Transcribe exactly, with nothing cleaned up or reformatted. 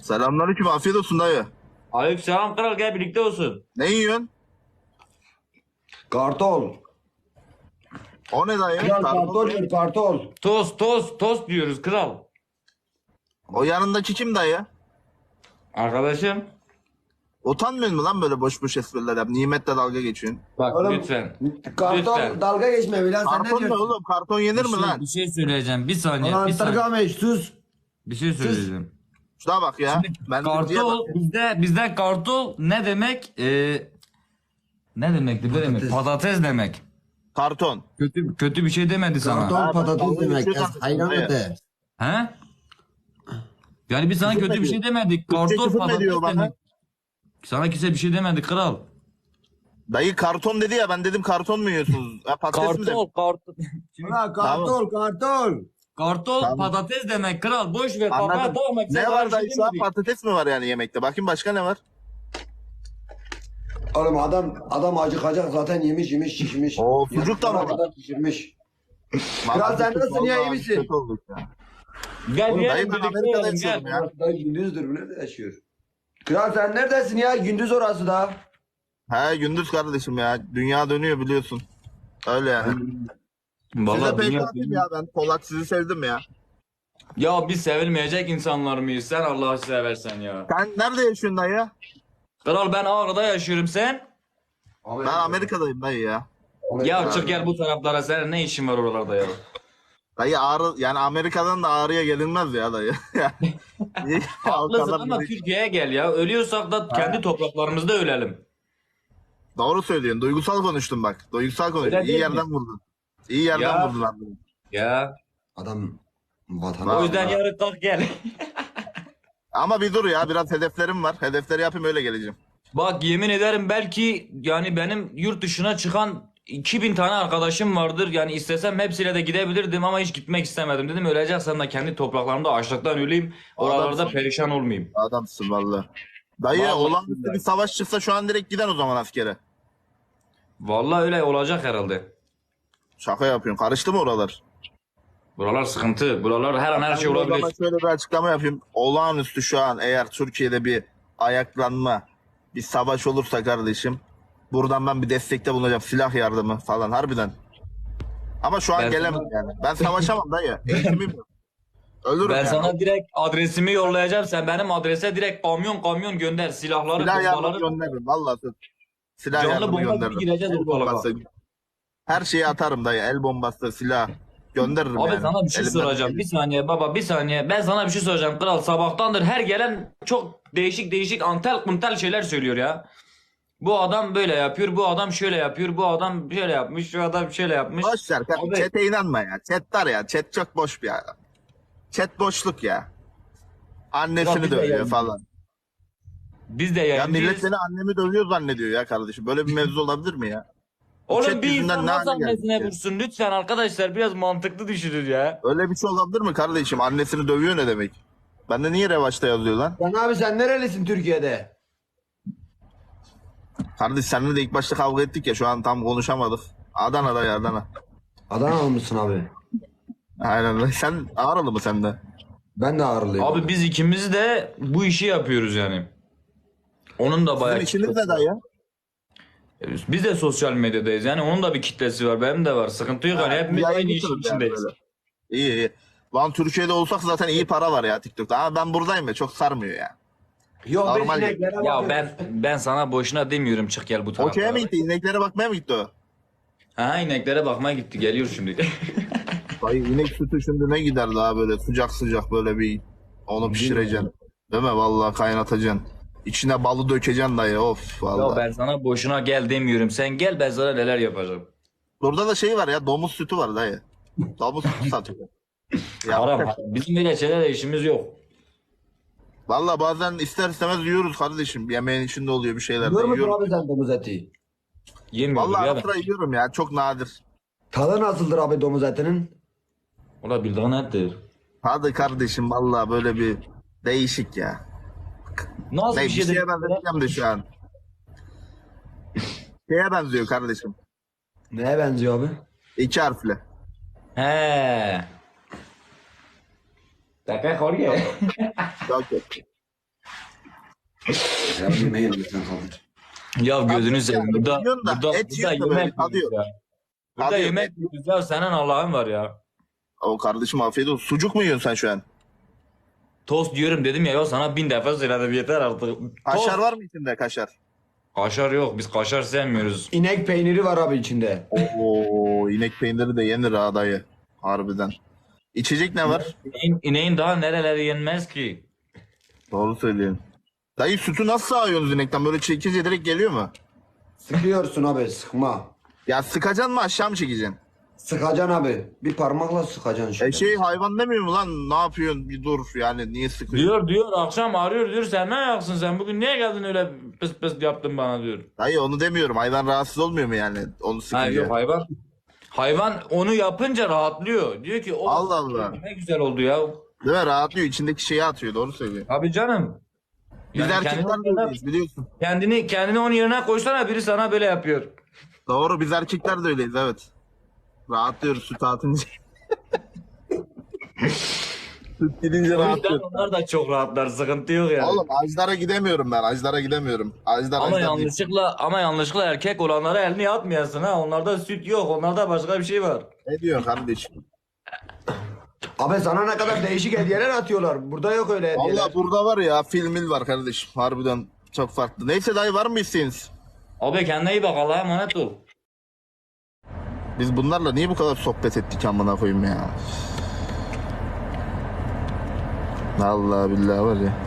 Selamünaleyküm, afiyet olsun dayı. Aleykümselam kral, gel birlikte olsun. Ne yiyorsun? Kartol. O ne dayı? Kral Karpuz kartol ne? ver kartol. Tost tost tost diyoruz kral. O yanındaki kim dayı? Arkadaşım. Utanmıyor mu lan böyle boş boş espriler yap? Nimetle dalga geçiyorsun. Bak Oğlum, lütfen. Kartol Lütfen. dalga geçme Bilal sen ne Karton ne diyorsun? oğlum? Karton yenir Bir mi şey, lan? bir şey söyleyeceğim. Bir saniye. Bir Ulan saniye. Targameş sus. Bir şey söyleyeceğim. Şuna bak ya. Ben diziye Kartol bak. bizde bizde kartol ne demek? Ee, ne demekti? Böyle mi? Patates. Patates demek. Karton. Kötü kötü bir şey demedi sana. Kartol Ha, ben patates dalga demek. geçiyorum Es hayran dayı. öte. He? Yani biz sana Küfür kötü mü bir şey ediyor? demedik. Türkçe Kartol küfür mü patates ediyor bana? demek. Sana kimse bir şey demedi kral. Dayı karton dedi ya, ben dedim karton mu yiyorsunuz? Ha, patates mi dedim? Kartol kartol. Ulan kartol kartol. Kartol Tamam. patates demek kral. Boş ver kafaya Anladım. takma. Kimse Ne sana var bir şey dayı şu an? demedi. Patates mi var yani yemekte? Bakayım başka ne var? Oğlum adam adam acıkacak zaten yemiş yemiş şişmiş. Oo, sucuk da mı Yarısına var? kadar şişirmiş. Vallahi sen kötü nasılsın oldu ya, iyi abi, misin? kötü olduk ya. Gel Oğlum, gel dayı ben birlikte Amerika'da olalım, yaşıyorum gel. ya. Orası da gündüzdür bu nerede yaşıyor? Kral sen neredesin ya? Gündüz orası da. He gündüz kardeşim ya. Dünya dönüyor biliyorsun. Öyle yani. Size Vallahi pek dünya- atayım ya ben. Polak sizi sevdim ya. Ya biz sevilmeyecek insanlar mıyız? Sen Allah'ı seversen ya. Sen nerede yaşıyorsun dayı? Kral ben Ağrı'da yaşıyorum, sen? Ben Amerika'dayım dayı ya. Ya çık gel bu taraflara, senin ne işin var oralarda ya? Dayı Ağrı, yani Amerika'dan da Ağrı'ya gelinmez ya dayı. İyi, o Haklısın kadar ama değil. Türkiye'ye gel ya. Ölüyorsak da kendi topraklarımızda ölelim. Doğru söylüyorsun. Duygusal konuştun bak. Duygusal konuştun. Öyle İyi değil yerden vurdun. İyi yerden Ya. vurdun abi. Ya. Adam vatan. O yüzden Vallahi. yarın kalk gel. Ama bir dur ya. Biraz hedeflerim var. Hedefleri yapayım öyle geleceğim. Bak yemin ederim belki yani benim yurt dışına çıkan iki bin tane arkadaşım vardır. Yani istesem hepsiyle de gidebilirdim ama hiç gitmek istemedim. Dedim öleceksem de kendi topraklarımda açlıktan öleyim. Oralarda Adamsın. perişan olmayayım. Adamsın valla. Dayı Vallahi olağanüstü billahi. bir savaş çıksa şu an direkt giden o zaman askere. Vallahi öyle olacak herhalde. Şaka yapıyorsun. Karıştı mı oralar? Buralar sıkıntı. Buralar her an her şey Ben de o zaman olabilir. şöyle bir açıklama yapayım. Olağanüstü şu an eğer Türkiye'de bir ayaklanma, bir savaş olursa kardeşim, buradan ben bir destekte bulunacağım. Silah yardımı falan harbiden. Ama şu an Ben gelemem sana- yani. Ben savaşamam dayı. Eğitimim yok. Ölürüm Ben yani. sana direkt adresimi yollayacağım. Sen benim adrese direkt kamyon kamyon gönder. Silahları, Silah yardımı bombaları. gönderirim. Vallahi söz. Silah Canlı yardımı bomba gibi gönderirim. gireceğiz El ortalığa. bombası. Her şeyi atarım dayı. El bombası, silah. Gönderirim Abi yani. sana bir şey Elimden soracağım. geldiği- Bir saniye baba, bir saniye. Ben sana bir şey soracağım kral. Sabahtandır her gelen çok değişik değişik antel kuntel şeyler söylüyor ya. Bu adam böyle yapıyor, bu adam şöyle yapıyor, bu adam şöyle yapmış, şu adam şöyle yapmış. Boş ver. kardeşim. Abi- Chat'e inanma ya. Chat var ya. Chat çok boş bir adam. Chat boşluk ya. Ya Annesini biz de dövüyor yani- falan. Biz de Ya yayıncıyız. millet seni annemi dövüyor zannediyor ya kardeşim. Böyle bir mevzu olabilir mi ya? Oğlum chat bir yüzünden insan ne nasıl hale geldik annesine ya? vursun? Lütfen arkadaşlar biraz mantıklı düşünün ya. Öyle bir şey olabilir mi kardeşim? Annesini dövüyor ne demek? Bende niye revaçta yazıyor lan? Sen abi sen nerelisin Türkiye'de? Kardeş seninle de ilk başta kavga ettik ya, şu an tam konuşamadık. Adana'da ya Adana. Adanalı mısın abi? Aynen. Sen Ağrılı mı sen de? Ben de Ağrılıyım. Abi biz ikimiz de bu işi yapıyoruz yani. Onun da bayağı Sizin işiniz kitlesi ne dayı? var. Biz de sosyal medyadayız yani onun da bir kitlesi var, benim de var. Sıkıntı yok yani hepimiz aynı işin Yayıncısınız yani içindeyiz. böyle. İyi iyi. Lan Türkiye'de olsak zaten iyi para var ya TikTok'ta. Ama ben buradayım ya, çok sarmıyor ya. Yok ben Normal ineklere Ya bakıyorum. ben ben sana boşuna demiyorum çık gel bu Okey'e taraflara. mi gitti? İneklere bakmaya mı gitti o? Ha ineklere bakmaya gitti, geliyor şimdi. Dayı inek sütü şimdi ne gider daha böyle sıcak sıcak böyle bir onu pişireceksin. Değil mi? Vallahi kaynatacaksın. İçine balı dökeceksin dayı, of Ya vallahi. ben sana boşuna gel demiyorum. Sen gel, ben sana neler yapacağım. Burada da şey var ya, domuz sütü var dayı. Domuz sütü satıyor. Ya, Haram. Bizim böyle şeylerle işimiz yok. vallahi bazen ister istemez yiyoruz kardeşim. Yemeğin içinde oluyor bir şeyler de Yiyor musun yiyoruz. abi sen domuz eti? Yemiyoruz Vallahi ya ara ben. sıra yiyorum ya, çok nadir. Tadı nasıldır abi domuz etinin? O da bildiğin ettir. Hadi kardeşim vallahi böyle bir değişik ya. Nasıl Ne, bir bir şey şeye de... benzeteceğim de şu an. Şeye benziyor kardeşim. Neye benziyor abi? İki harfli. He. Dakika koruyor. Çok kötü. Ya yemeği lütfen kaldır. Ya gözünü Abi, seveyim. yani Burada, biliyorsun da burada, et burada yiyor da böyle yemek kalıyor. yiyoruz ya. Burada Kalıyor. yemek yiyoruz ya. Senin Allah'ın var ya. O kardeşim afiyet olsun. Sucuk mu yiyorsun sen şu an? Tost diyorum dedim ya. Ya sana bin defa söyledim. Yeter artık. Kaşar Tost. var mı içinde kaşar? Kaşar yok. Biz kaşar sevmiyoruz. İnek peyniri var abi içinde. Oo, inek peyniri de yenir ha dayı. Harbiden. İçecek ne var? İneğin, ineğin daha nereleri yenmez ki? Doğru söylüyorsun. Dayı sütü nasıl sağıyorsunuz inekten? Böyle çekince direkt geliyor mu? Sıkıyorsun abi sıkma. Ya sıkacaksın mı aşağı mı çekeceksin? Sıkacaksın abi. Bir parmakla sıkacaksın E şöyle. şey hayvan demiyor mu lan? Ne yapıyorsun? Bir dur yani niye sıkıyorsun? Diyor diyor akşam arıyor diyor sen ne ayaksın sen bugün niye geldin öyle pıs pıs yaptın bana diyor. Dayı onu demiyorum. Hayvan rahatsız olmuyor mu yani? Onu Ha sıkınca. yok hayvan. Hayvan onu yapınca rahatlıyor. Diyor ki o Allah Allah. ne güzel oldu ya. Değil mi? Rahatlıyor. İçindeki şeyi atıyor. Doğru söylüyor. Abi canım. Biz Yani erkekler kendini, de öyleyiz biliyorsun. kendini kendini onun yerine koysana biri sana böyle yapıyor. Doğru biz erkekler de öyleyiz evet. Rahatlıyoruz süt atınca. Süt gidince O yüzden rahatlıyoruz. onlar da çok rahatlar sıkıntı yok yani. Oğlum Ajdar'a gidemiyorum ben. Ajdar'a gidemiyorum. Ajdar Ama Ajdar değil. yanlışlıkla ama yanlışlıkla erkek olanlara elini atmayasın ha. Onlarda süt yok. Onlarda başka bir şey var. Ne diyorsun kardeşim? Abi sana ne kadar değişik hediyeler atıyorlar. Burada yok öyle hediyeler. Valla burada var ya filmil var kardeşim. Harbiden çok farklı. Neyse dayı var mı isteğiniz? Abi kendine iyi bak Allah'a emanet ol. Biz bunlarla niye bu kadar sohbet ettik amına koyayım ya? Vallahi billahi var ya.